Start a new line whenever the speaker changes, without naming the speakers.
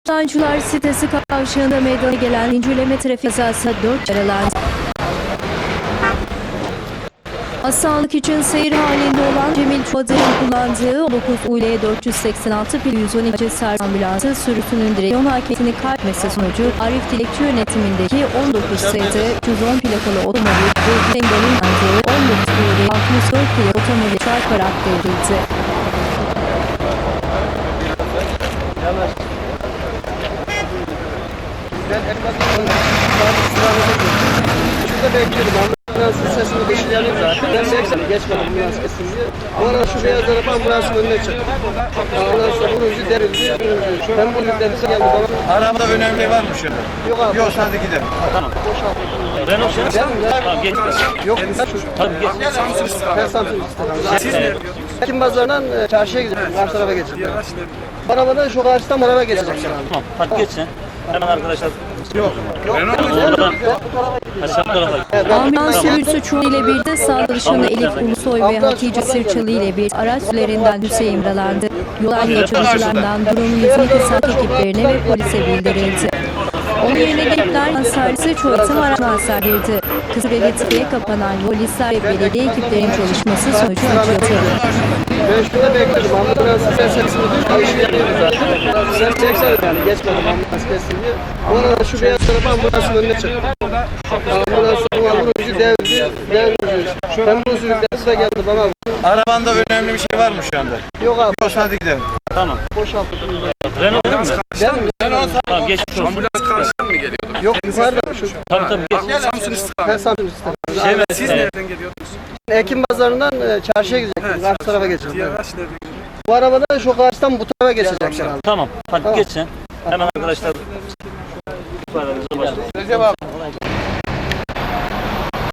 Sancılar sitesi kavşağında meydana gelen zincirleme trafik kazasında 4 yaralandı. Hastalık için seyir halinde olan Cemil Çuadır'ın kullandığı 9 UL 486 pil 112 servis ambulansı sürüsünün direksiyon hakimiyetini kaybetmesi sonucu Arif Dilekçi yönetimindeki 19 ST 310 plakalı otomobil ve Bengal'in aldığı 19 UL 64 plakalı otomobil çarparak devrildi.
Şurada bekliyorum. Ambulansın sesini beşileyelim zaten. Ben bekledim. Geçmedim ambulans kesin diye. O ara şu beyaz araba ambulansın önüne çıktı. Ambulansla vurunca derildi. Ben bunu yüklediyse geldi bana.
Arabada önemli var mı şimdi?
Yok abi.
Yok, hadi gidelim.
Tamam. Renault şey. Tamam geç.
Yok.
Tabii geç.
Ben Samsun istedim. Ekim pazarından çarşıya gideceğim. Karşı tarafa geçeceğim. Arabadan şu karşıdan araba geçecek.
Tamam. Hadi geç sen. Hemen arkadaşlar.
Yok.
Aşağı tarafa.
Ambulans sürücüsü Çuğ ile birlikte sağ dışında Elif Ulusoy ve Hatice Sırçalı ile bir araç sürülerinden Hüseyin yaralandı. Yol geçişçilerden durum 112 sağlık ekiplerine ve polise bildirildi. Onun yerine gelipler servisi Çoğatım araçtan serdirdi. Kısa süreli trafiğe kapanan polisler ve belediye ekiplerinin çalışması sonucu açıldı.
Ben şurada bekliyorum. Ambulansın sesini beşileyelim zaten. Ben bekledim yani. Geçmedim ambulans kesin diye. O arada şu beyaz araba ambulansın önüne çıktı. Ambulansın vurunca devirdi. Ben bunu sürükledim de geldi bana.
Arabanda önemli bir şey var mı şu anda?
Yok abi.
Yok, hadi gidelim.
Tamam.
Boşalttım.
Renault değil mi? Tamam geç.
Ambulans karşıdan mı geliyordu?
Yok yukarıda şu.
Tabii geç.
Samsun
Ben
istikamet.
Samsun istedim.
Şey mi?
Siz nereden geliyordunuz?
Ekim pazarından çarşıya gidecektim. Karşı tarafa geçeceğim.
Diğer araç nereden geliyordu?
Bu arabadan şu karşıdan bu tarafa geçecek herhalde.
Tamam. Hadi geç sen. Hemen arkadaşlar. İfademize başlayalım.
Recep abi.